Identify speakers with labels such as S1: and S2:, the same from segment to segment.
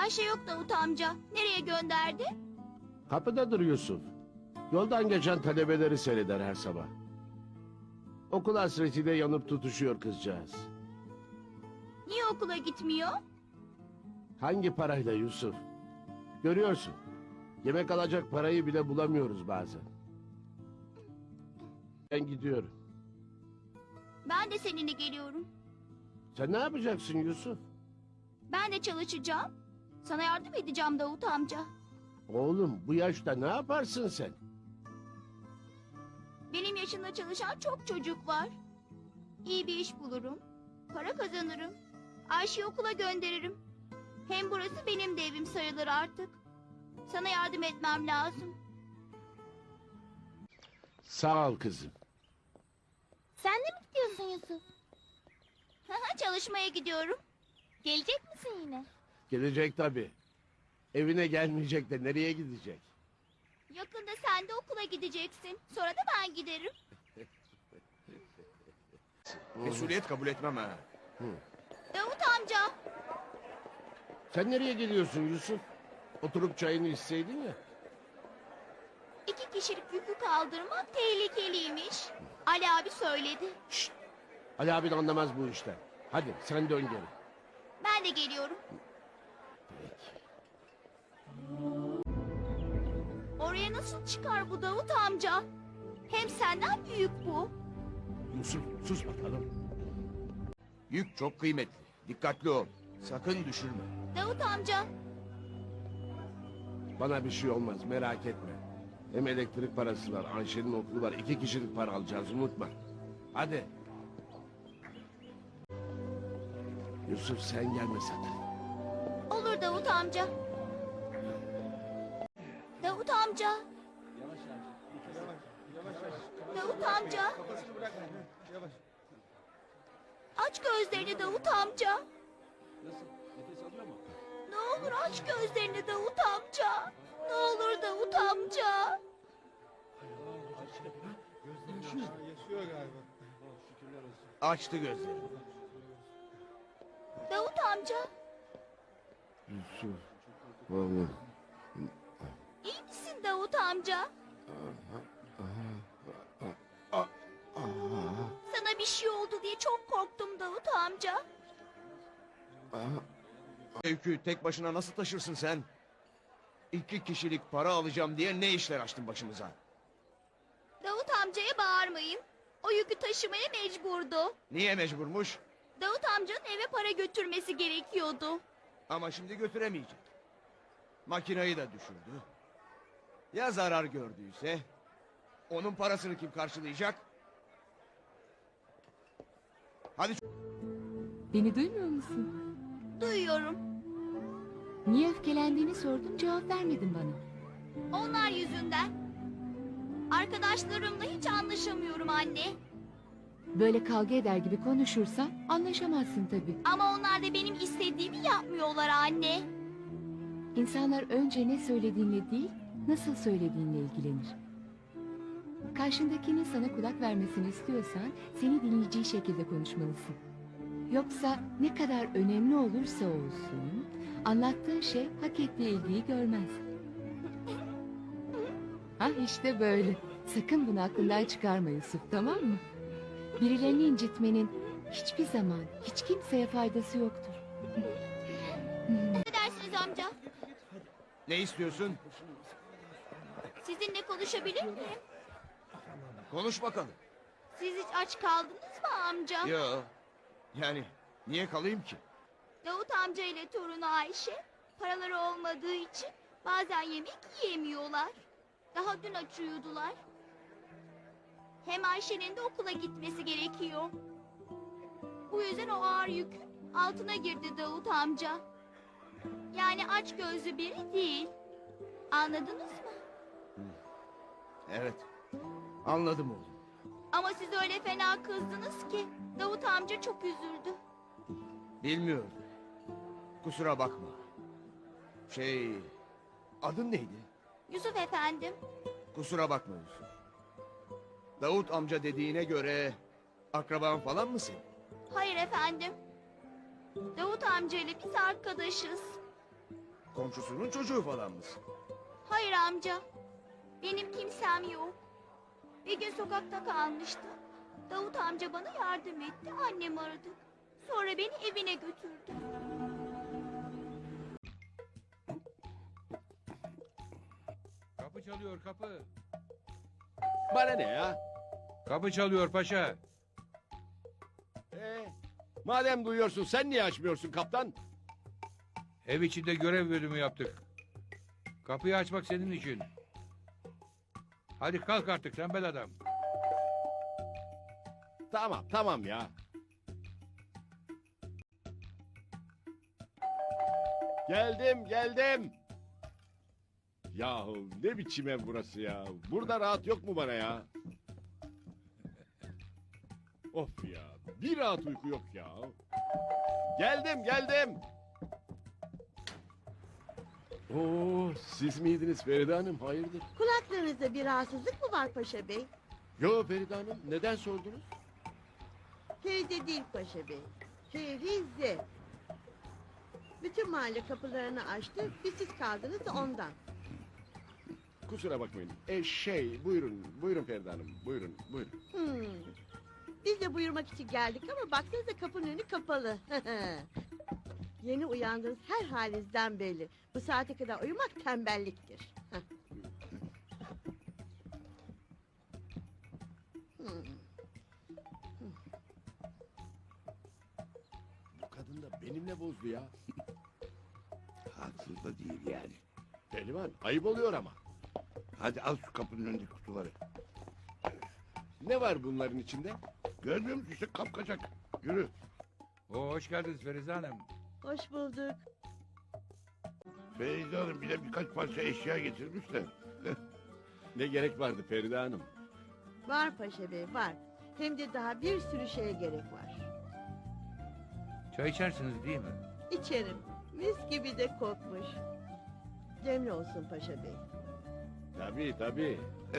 S1: Ayşe yok Davut amca. Nereye gönderdi?
S2: Kapıdadır Yusuf. Yoldan geçen talebeleri seyreder her sabah. Okul hasretiyle yanıp tutuşuyor kızcağız.
S1: Niye okula gitmiyor?
S2: Hangi parayla Yusuf? Görüyorsun. Yemek alacak parayı bile bulamıyoruz bazen. Ben gidiyorum.
S1: Ben de seninle geliyorum.
S2: Sen ne yapacaksın Yusuf?
S1: Ben de çalışacağım. Sana yardım edeceğim Davut amca.
S2: Oğlum bu yaşta ne yaparsın sen?
S1: Benim yaşımda çalışan çok çocuk var. İyi bir iş bulurum. Para kazanırım. Ayşe'yi okula gönderirim. Hem burası benim de evim sayılır artık. Sana yardım etmem lazım.
S2: Sağ ol kızım.
S1: Sen de mi gidiyorsun Yusuf? Çalışmaya gidiyorum. Gelecek misin yine?
S2: Gelecek tabii. Evine gelmeyecek de nereye gidecek?
S1: Yakında sen de okula gideceksin. Sonra da ben giderim.
S3: Mesuliyet kabul etmem ha.
S1: Davut amca.
S2: Sen nereye geliyorsun Yusuf? Oturup çayını içseydin ya.
S1: 2 kişilik yükü kaldırmak tehlikeliymiş. Ali abi söyledi.
S2: Şşt! Ali abin anlamaz bu işten. Hadi sen dön geri.
S1: Ben de geliyorum. Oraya nasıl çıkar bu Davut amca? Hem senden büyük bu.
S2: Yusuf sus bakalım.
S3: Yük çok kıymetli. Dikkatli ol. Sakın düşürme.
S1: Davut amca.
S2: Bana bir şey olmaz merak etme. Hem elektrik parası var, Ayşe'nin okulu var. 2 kişilik para alacağız unutma. Hadi. Yusuf sen gelme sakın.
S1: Olur Davut amca. Davut amca. Davut amca. Aç gözlerini Davut amca. Ne olur aç gözlerini Davut amca. Ne olur Davut amca.
S3: Açtı gözlerini.
S1: Davut amca.
S2: Yusuf oğlum.
S1: İyi misin Davut amca? Sana bir şey oldu diye çok korktum Davut amca.
S3: Yükü tek başına nasıl taşırsın sen? 2 kişilik para alacağım diye ne işler açtın başımıza?
S1: Davut amcaya bağırmayın. O yükü taşımaya mecburdu.
S3: Niye mecburmuş?
S1: Davut amcanın eve para götürmesi gerekiyordu.
S3: Ama şimdi götüremeyecek. Makinayı da düşürdü. Ya zarar gördüyse? Onun parasını kim karşılayacak? Hadi
S4: Beni duymuyor musun?
S1: Duyuyorum.
S4: Niye öfkelendiğini sordum, cevap vermedin bana.
S1: Onlar yüzünden. Arkadaşlarımla hiç anlaşamıyorum anne.
S4: Böyle kavga eder gibi konuşursan anlaşamazsın tabii.
S1: Ama onlar da benim istediğimi yapmıyorlar anne.
S4: İnsanlar önce ne söylediğinle değil, nasıl söylediğinle ilgilenir. Karşındakinin sana kulak vermesini istiyorsan seni dinleyeceği şekilde konuşmalısın. Yoksa ne kadar önemli olursa olsun anlattığın şey hak ettiği ilgiyi görmez. Ha işte böyle. Sakın bunu aklından çıkarma Yusuf, tamam mı? Birilerini incitmenin hiçbir zaman hiç kimseye faydası yoktur.
S1: Ne dersiniz amca?
S3: ne istiyorsun?
S1: Sizinle konuşabilir miyim?
S3: Konuş bakalım.
S1: Siz hiç aç kaldınız mı amca?
S3: Yo. Yani niye kalayım ki?
S1: Davut amca ile torunu Ayşe paraları olmadığı için bazen yemek yiyemiyorlar. Daha dün aç uyudular. Hem Ayşe'nin de okula gitmesi gerekiyor. Bu yüzden o ağır yükün altına girdi Davut amca. Yani aç gözlü biri değil. Anladınız mı?
S3: Evet. Anladım oğlum.
S1: Ama siz öyle fena kızdınız ki Davut amca çok üzüldü.
S3: Bilmiyorum. Kusura bakma. Adın neydi?
S1: Yusuf efendim.
S3: Kusura bakma Yusuf. Davut amca dediğine göre akraban falan mısın?
S1: Hayır efendim. Davut amca ile biz arkadaşız.
S3: Komşusunun çocuğu falan mısın?
S1: Hayır amca. Benim kimsem yok. Bir gün sokakta kalmıştım. Davut amca bana yardım etti. Annem aradı. Sonra beni evine götürdü.
S5: Kapı çalıyor kapı.
S2: Bana ne ya?
S5: Kapı çalıyor paşa.
S2: Madem duyuyorsun sen niye açmıyorsun kaptan?
S5: Ev içinde görev bölümü yaptık. Kapıyı açmak senin için. Hadi kalk artık tembel adam.
S2: Tamam ya. Geldim. Yahu ne biçim ev burası ya? Burada rahat yok mu bana ya? Of ya, bir rahat uyku yok ya. Geldim. Oo, siz miydiniz Feride Hanım? Hayırdır?
S6: Kulaklarınızda bir rahatsızlık mı var Paşa Bey?
S2: Yo Feride Hanım, neden sordunuz?
S6: Feride değil Paşa Bey. Ferize. Bütün mahalle kapılarını açtı. Bir siz kaldınız da ondan.
S2: Kusura bakmayın. Buyurun Feride Hanım, buyurun.
S6: Hmm. Biz de buyurmak için geldik ama baksanıza kapının önü kapalı. Yeni uyandınız her halinizden belli. Bu saate kadar uyumak tembelliktir. Heh. Hmm.
S2: Bu kadın da benimle bozdu ya.
S7: Haksız da değil yani.
S2: Pehlivan, ayıp oluyor ama.
S7: Hadi al şu kapının önündeki kutuları.
S2: Ne var bunların içinde?
S7: Görmüyor musun işte kapkacak. Yürü.
S5: Hoş geldiniz Ferize Hanım.
S6: Hoş bulduk.
S7: Feyza Hanım bir de birkaç parça eşya getirmiş de.
S2: Ne gerek vardı Feride Hanım?
S6: Var Paşa Bey var. Hem de daha bir sürü şeye gerek var.
S5: Çay içersiniz değil mi?
S6: İçerim. Mis gibi de kokmuş. Demli olsun Paşa Bey.
S2: Tabii.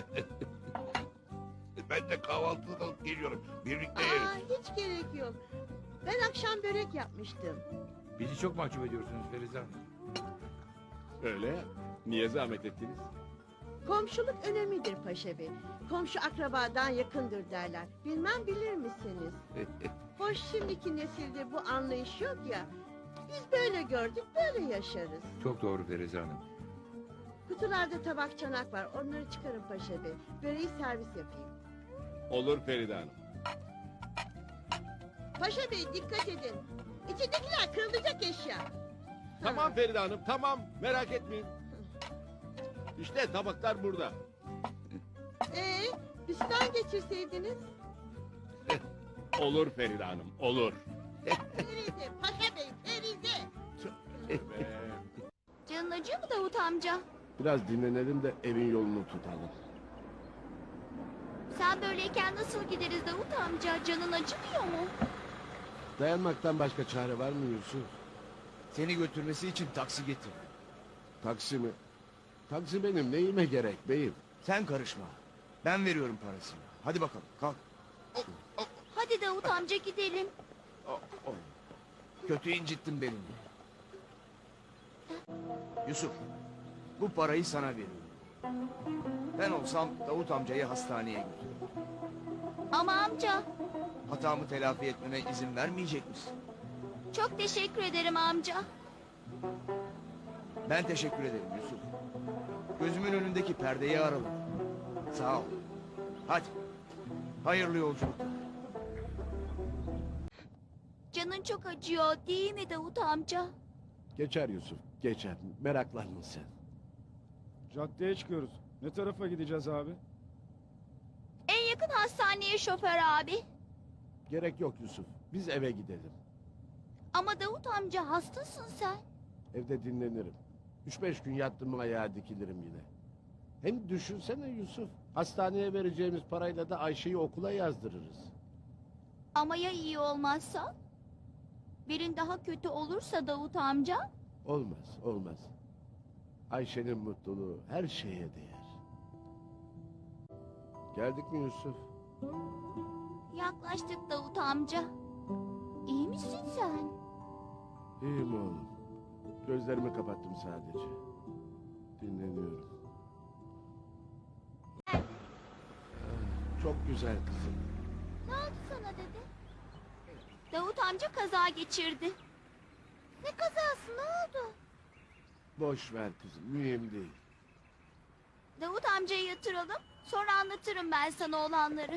S7: Ben de kahvaltılık alıp geliyorum. Birlikte yeriz.
S6: Hiç gerek yok. Ben akşam börek yapmıştım.
S5: Bizi çok mahcup ediyorsunuz Ferize Hanım.
S2: Öyle ya. Niye zahmet ettiniz?
S6: Komşuluk önemlidir Paşa Bey. Komşu akrabadan yakındır derler. Bilmem bilir misiniz? Hoş şimdiki nesilde bu anlayış yok ya. Biz böyle gördük, böyle yaşarız.
S5: Çok doğru Ferize Hanım.
S6: Kutularda tabak çanak var. Onları çıkarın Paşa Bey. Böreği servis yapayım.
S2: Olur Feride Hanım.
S6: Paşa Bey dikkat edin. İçindekiler kırılacak eşya.
S2: Tamam Feride Hanım, tamam. Merak etmeyin. İşte tabaklar burada.
S6: Üstten geçirseydiniz.
S2: Olur Feride Hanım, olur.
S6: Ferize, Paşa Bey, Ferize.
S1: Canın acıyor mu Davut amca?
S2: Biraz dinlenelim de evin yolunu tutalım.
S1: Sen böyleyken nasıl gideriz Davut amca? Canın acımıyor mu?
S2: Dayanmaktan başka çare var mı Yusuf?
S3: Seni götürmesi için taksi getir.
S2: Taksi mi? Taksi benim neyime gerek beyim?
S3: Sen karışma. Ben veriyorum parasını. Hadi bakalım kalk.
S1: Hadi Davut amca gidelim.
S3: Kötü incittin beni. Yusuf, bu parayı sana veriyorum. Ben olsam Davut amcayı hastaneye götürürüm.
S1: Ama amca,
S3: Hatamı telafi etmeme izin vermeyecek misin?
S1: çok teşekkür ederim amca.
S3: Ben teşekkür ederim Yusuf. Gözümün önündeki perdeyi aralım. Sağ ol. Hadi. Hayırlı yolculuklar.
S1: Canın çok acıyor değil mi Davut amca?
S2: Geçer Yusuf, geçer. Meraklanma sen.
S8: Caddeye çıkıyoruz. Ne tarafa gideceğiz abi?
S1: En yakın hastaneye şoför abi.
S2: Gerek yok Yusuf. Biz eve gidelim.
S1: Ama Davut amca hastasın sen.
S2: Evde dinlenirim. 3-5 gün yattım mı ayağa dikilirim yine. Hem düşünsene Yusuf. Hastaneye vereceğimiz parayla da Ayşe'yi okula yazdırırız.
S1: Ama ya iyi olmazsa? Birin daha kötü olursa Davut amca?
S2: Olmaz. Ayşe'nin mutluluğu her şeye değer. Geldik mi Yusuf?
S1: Yaklaştık Davut amca. İyi misin sen?
S2: İyiyim oğlum. Gözlerimi kapattım sadece. Dinleniyorum. Ah, çok güzel kızım.
S1: Ne oldu sana dede? Davut amca kaza geçirdi. Ne kazası, ne oldu?
S2: Boş ver kızım, mühim değil.
S1: Davut amcayı yatıralım, sonra anlatırım ben sana olanları.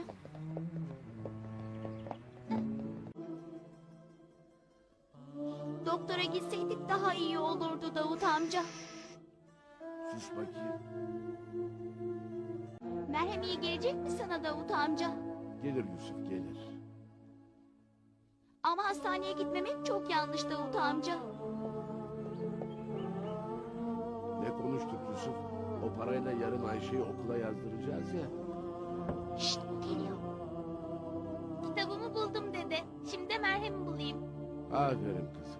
S1: Doktora gitseydik daha iyi olurdu Davut amca.
S2: Sus bakayım.
S1: Merhem iyi gelecek mi sana Davut amca?
S2: Gelir Yusuf, gelir.
S1: Ama hastaneye gitmemek çok yanlış Davut amca.
S2: Ne konuştuk Yusuf? O parayla yarın Ayşe'yi okula yazdıracağız ya.
S1: Şşt, geliyor. Kitabımı buldum dede. Şimdi de merhemi bulayım.
S2: Aferin kızım.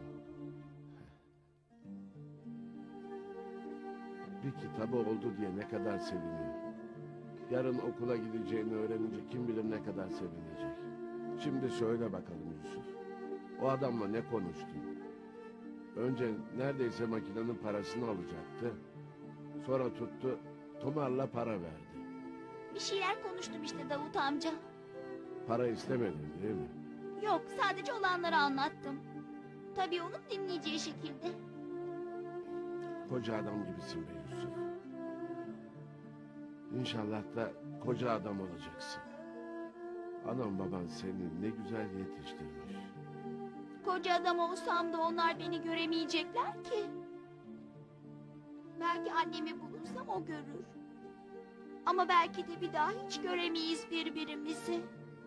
S2: Bir kitabı oldu diye ne kadar seviniyor. Yarın okula gideceğini öğrenince kim bilir ne kadar sevinecek. Şimdi söyle bakalım Yusuf. O adamla ne konuştun? Önce neredeyse makinenin parasını alacaktı. Sonra tuttu, tumarla para verdi.
S1: Bir şeyler konuştum işte Davut amca.
S2: Para istemedin değil mi?
S1: Yok, sadece olanları anlattım. Tabii onun dinleyeceği şekilde.
S2: Koca adam gibisin be Yusuf. İnşallah da koca adam olacaksın. Anam baban seni ne güzel yetiştirmiş.
S1: Koca adam olsam da onlar beni göremeyecekler ki. Belki annemi bulursam o görür. Ama belki de bir daha hiç göremeyiz birbirimizi.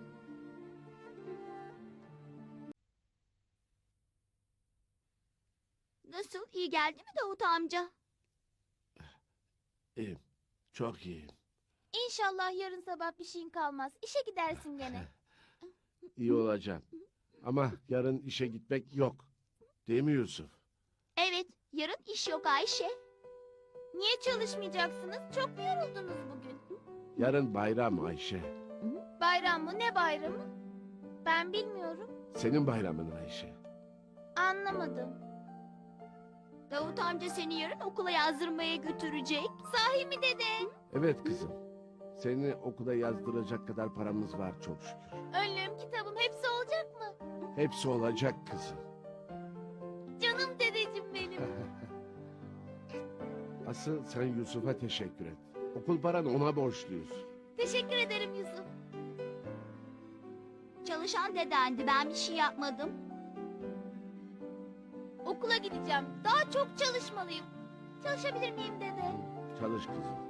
S1: Nasıl, iyi geldi mi Davut amca?
S2: İyiyim, çok iyiyim.
S1: İnşallah yarın sabah bir şeyin kalmaz. İşe gidersin gene.
S2: İyi olacağım. Ama yarın işe gitmek yok. Değil mi Yusuf?
S1: Evet, yarın iş yok Ayşe. Niye çalışmayacaksınız? Çok mu yoruldunuz bugün?
S2: Yarın bayram Ayşe.
S1: Bayram mı? Ne bayramı? Ben bilmiyorum.
S2: Senin bayramın Ayşe.
S1: Anlamadım. Davut amca seni yarın okula yazdırmaya götürecek. Sahi mi dede?
S2: Evet kızım. Seni okula yazdıracak kadar paramız var çok şükür.
S1: Önlüğüm, kitabım hepsi olacak mı?
S2: Hepsi olacak kızım.
S1: Canım dedeciğim benim.
S2: Asıl sen Yusuf'a teşekkür et. Okul paranı ona borçluyuz.
S1: Teşekkür ederim Yusuf. Çalışan dedendi, ben bir şey yapmadım. Okula gideceğim. Daha çok çalışmalıyım. Çalışabilir miyim dede?
S2: Çalış kızım.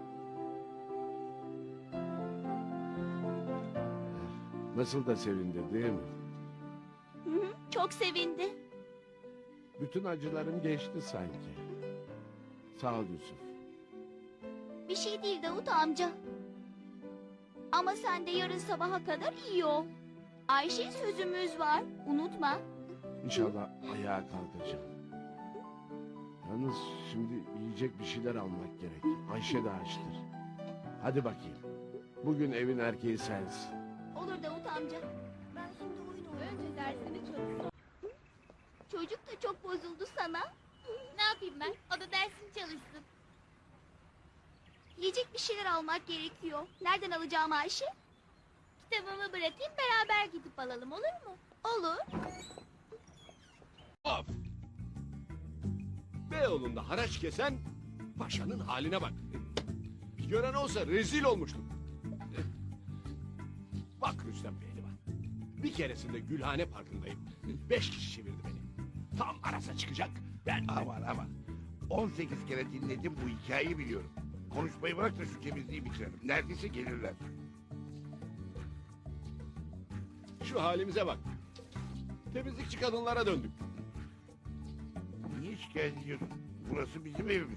S2: Nasıl da sevindi değil mi?
S1: Hı hı, çok sevindi.
S2: Bütün acılarım geçti sanki. Sağ ol Yusuf.
S1: Bir şey değil Davut amca. Ama sen de yarın sabaha kadar iyi ol. Ayşe sözümüz var. Unutma.
S2: İnşallah ayağa kalkacağım. Yalnız şimdi yiyecek bir şeyler almak gerek. Ayşe de açtır. Hadi bakayım. Bugün evin erkeği sensin.
S1: Olur Davut amca. Ben şimdi oyun oynayayım. Önce dersini çalışsın. Çocuk da çok bozuldu sana. Ne yapayım ben? O da dersini çalışsın. Yiyecek bir şeyler almak gerekiyor. Nereden alacağım Ayşe? Kitabımı bırakayım, beraber gidip alalım, olur mu? Olur.
S3: Of! Beyoğlu'nda haraç kesen paşanın haline bak. Bir gören olsa rezil olmuştum. Bak Rüstem Pehlivan. Bir keresinde Gülhane Parkı'ndayım. 5 kişi çevirdi beni. Tam arasa çıkacak. Ben
S7: Aman. 18 kere dinledim bu hikayeyi biliyorum. Konuşmayı bırak da şu temizliği bitirelim. Neredeyse gelirler.
S3: şu halimize bak. Temizlikçi kadınlara döndük.
S7: Niye şikayet ediyorsun? Burası bizim evimiz.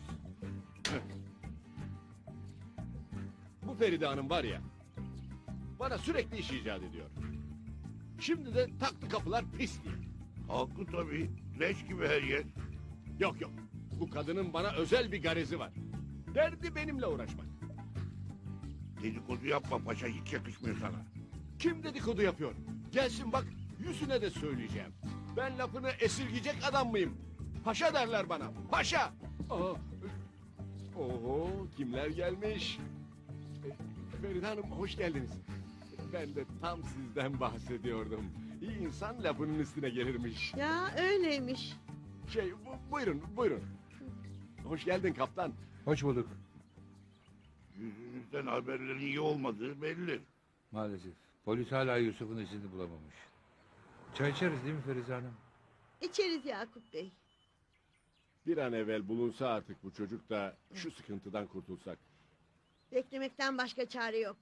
S3: Bu Feride Hanım var ya, bana sürekli iş icat ediyor. Şimdi de taktı kapılar pis diye.
S7: Haklı tabii. Leş gibi her yer.
S3: Yok, bu kadının bana özel bir garezi var. Derdi benimle uğraşmak.
S7: Dedikodu yapma paşa, hiç yakışmıyor sana.
S3: Kim dedikodu yapıyor? Gelsin bak, yüzüne de söyleyeceğim. Ben lafını esirgeyecek adam mıyım? Paşa derler bana. Paşa.
S2: Aa, oho, kimler gelmiş? Feride Hanım hoş geldiniz. Ben de tam sizden bahsediyordum. İyi insan lafının üstüne gelirmiş.
S6: Ya öyleymiş.
S2: Buyurun, buyurun. Hoş geldin kaptan.
S5: Hoş bulduk.
S7: Yüzünüzden haberlerin iyi olmadığı belli.
S5: Maalesef. Polis hala Yusuf'un izini bulamamış. Çay içeriz değil mi Ferize Hanım?
S6: İçeriz Yakup Bey.
S2: Bir an evvel bulunsa artık bu çocuk da şu sıkıntıdan kurtulsak.
S6: Beklemekten başka çare yok.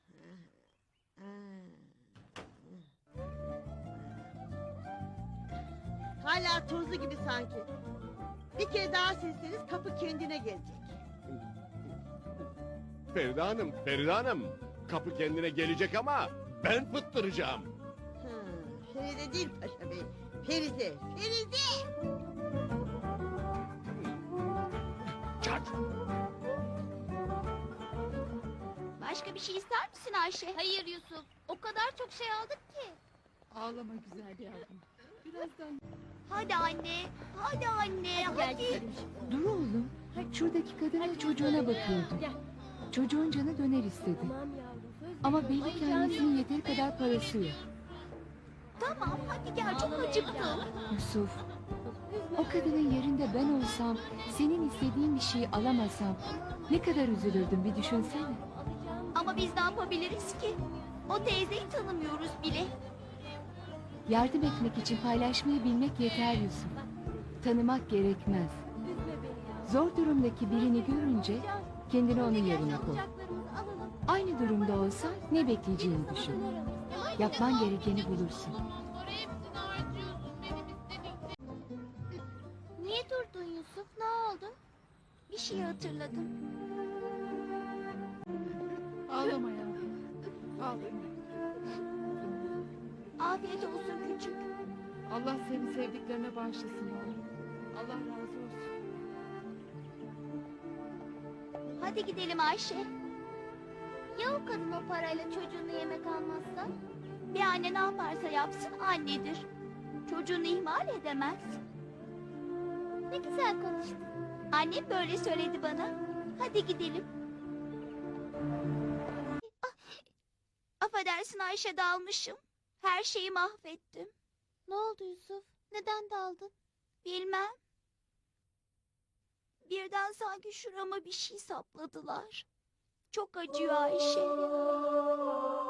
S6: Hala tozlu gibi sanki. Bir kere daha silseniz kapı kendine gelecek.
S2: Feride Hanım, Feride Hanım. Kapı kendine gelecek ama ben fıttıracağım.
S6: Feride değil Paşa Bey. Feride. Feride.
S2: Çat!
S1: Başka bir şey ister misin Ayşe? Hayır Yusuf. O kadar çok şey aldık ki.
S4: Ağlama güzel yavrum. Birazdan...
S1: Hadi anne. Hadi anne. Hadi.
S4: Dur oğlum. Şuradaki kadına çocuğuna bakıyordu. Çocuğun canı döner istedi. Ama belli ki annesinin yeteri kadar parası yok.
S1: Tamam hadi gel çok acıktım.
S4: Yusuf, o kadının yerinde ben olsam, senin istediğin bir şeyi alamasam ne kadar üzülürdüm bir düşünsene.
S1: Ama biz ne yapabiliriz ki? O teyzeyi tanımıyoruz bile.
S4: Yardım etmek için paylaşmayı bilmek yeter Yusuf. Tanımak gerekmez. Zor durumdaki birini görünce kendini onun yerine koy. Aynı durumda olsan ne bekleyeceğini düşün. Yapman gerekeni bulursun.
S1: Niye durdun Yusuf? Ne oldu? Bir şey hatırladım.
S9: Ağlama yavrum. Ağlama.
S1: Afiyet olsun küçük.
S9: Allah seni sevdiklerine bağışlasın yavrum. Allah razı olsun.
S1: Hadi gidelim Ayşe. Ya o kadın o parayla çocuğunu yemek almazsa? Bir anne ne yaparsa yapsın annedir. Çocuğunu ihmal edemez. Ne güzel konuştun. Annem böyle söyledi bana. Hadi gidelim. Ah, affedersin Ayşe dalmışım. Her şeyi mahvettim. Ne oldu Yusuf? Neden daldın? Bilmem. Birden sanki şurama bir şey sapladılar. Çok acıyor Ayşe.